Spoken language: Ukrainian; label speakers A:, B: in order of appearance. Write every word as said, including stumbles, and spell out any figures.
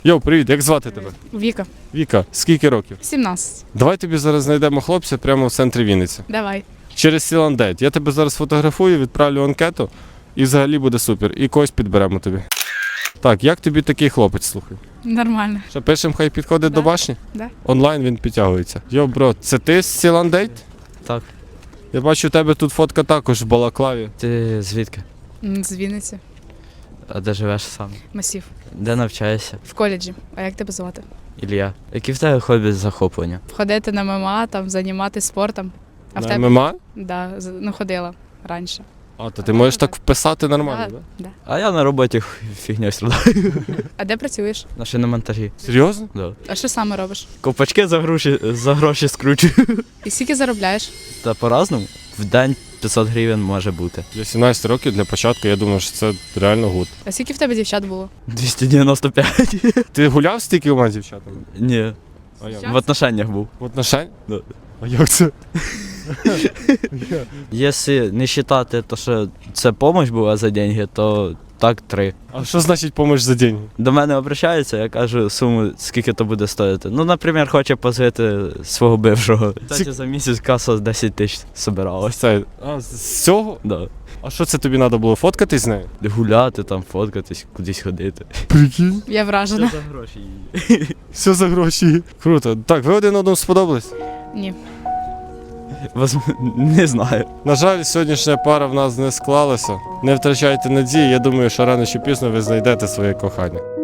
A: Йоу, привіт, як звати тебе?
B: Віка.
A: Віка, скільки років?
B: сімнадцять.
A: Давай тобі зараз знайдемо хлопця прямо в центрі Вінниці.
B: Давай.
A: Через Сіландейт. Я тебе зараз фотографую, відправлю анкету і взагалі буде супер. І когось підберемо тобі. Так, як тобі такий хлопець, слухай?
B: Нормально.
A: Що, пишемо, хай підходить
B: Да.
A: до башні?
B: Да.
A: Онлайн він підтягується. Йо, бро, це ти з Сіландейт?
C: Так.
A: Я бачу, у тебе тут фотка також в балаклаві.
C: Ти звідки?
B: М, З Вінниці.
C: А де живеш сам?
B: Масів.
C: Де навчаєшся?
B: В коледжі. А як тебе звати?
C: Ілля. Які в тебе хобі захоплення?
B: Ходити на ММА, там, займатися спортом. А в
A: На
B: тебе?
A: ММА?
B: Да, з- ну ходила раніше.
A: А, то ти можеш так вписати нормально,
B: Да,
A: так?
B: да.
C: А я на роботі х- фігньою страдаю.
B: А де працюєш?
C: На шиномонтажі.
A: Серйозно?
C: Да.
B: А що саме робиш?
C: Ковпачки за гроші, за гроші скручую.
B: І скільки заробляєш?
C: Та по-разному. В день п'ятсот гривень може бути.
A: Для сімнадцяти років для початку, я думаю, що це реально гуд.
B: А скільки в тебе дівчат було?
C: двісті дев'яносто п'ять.
A: Ти гуляв стільки з дівчатами?
C: Ні.
A: А як?
C: В отношеннях був.
A: В отношень?
C: Да.
A: А як це?
C: Якщо не вважати, то що це допомога була за гроші, то так три.
A: А що значить помощь за деньги?
C: До мене обращаються, я кажу суму, скільки то буде стоїти. Ну, наприклад, хоче позити свого бившого. Кстати, за місяць каса десять тисяч
A: Ось
C: збиралась.
A: це. А з цього?
C: Да.
A: А що це тобі треба було фоткатись з нею?
C: Гуляти, там, фоткатись, кудись ходити.
A: Прикинь.
B: Я вражена.
C: за гроші.
A: Все за гроші. Круто. Так, ви один одному сподобались?
B: Ні.
C: Не знаю.
A: На жаль, сьогоднішня пара в нас не склалася. Не втрачайте надії, я думаю, що рано чи пізно ви знайдете своє кохання.